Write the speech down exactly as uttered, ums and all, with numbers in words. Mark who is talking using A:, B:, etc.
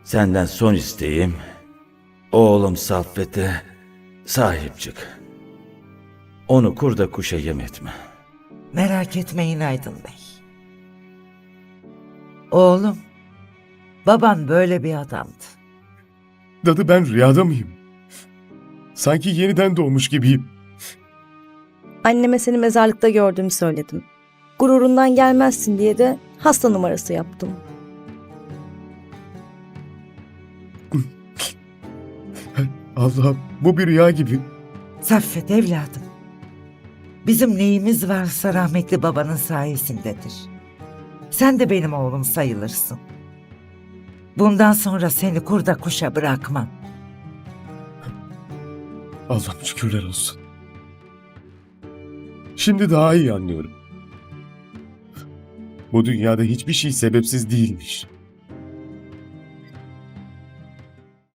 A: Senden son isteğim, oğlum Saffet'e sahip çık. Onu kurda kuşa yem etme.
B: Merak etmeyin Aydın Bey. Oğlum, baban böyle bir adamdı.
C: Dadı ben rüyada mıyım? Sanki yeniden doğmuş gibiyim.
D: Anneme seni mezarlıkta gördüğümü söyledim. Gururundan gelmezsin diye de hasta numarası yaptım.
C: Allah'ım, bu bir rüya gibi.
B: Saffet evladım. Bizim neyimiz varsa rahmetli babanın sayesindedir. Sen de benim oğlum sayılırsın. Bundan sonra seni kurda kuşa bırakmam.
C: Allah'ım şükürler olsun. Şimdi daha iyi anlıyorum. Bu dünyada hiçbir şey sebepsiz değilmiş.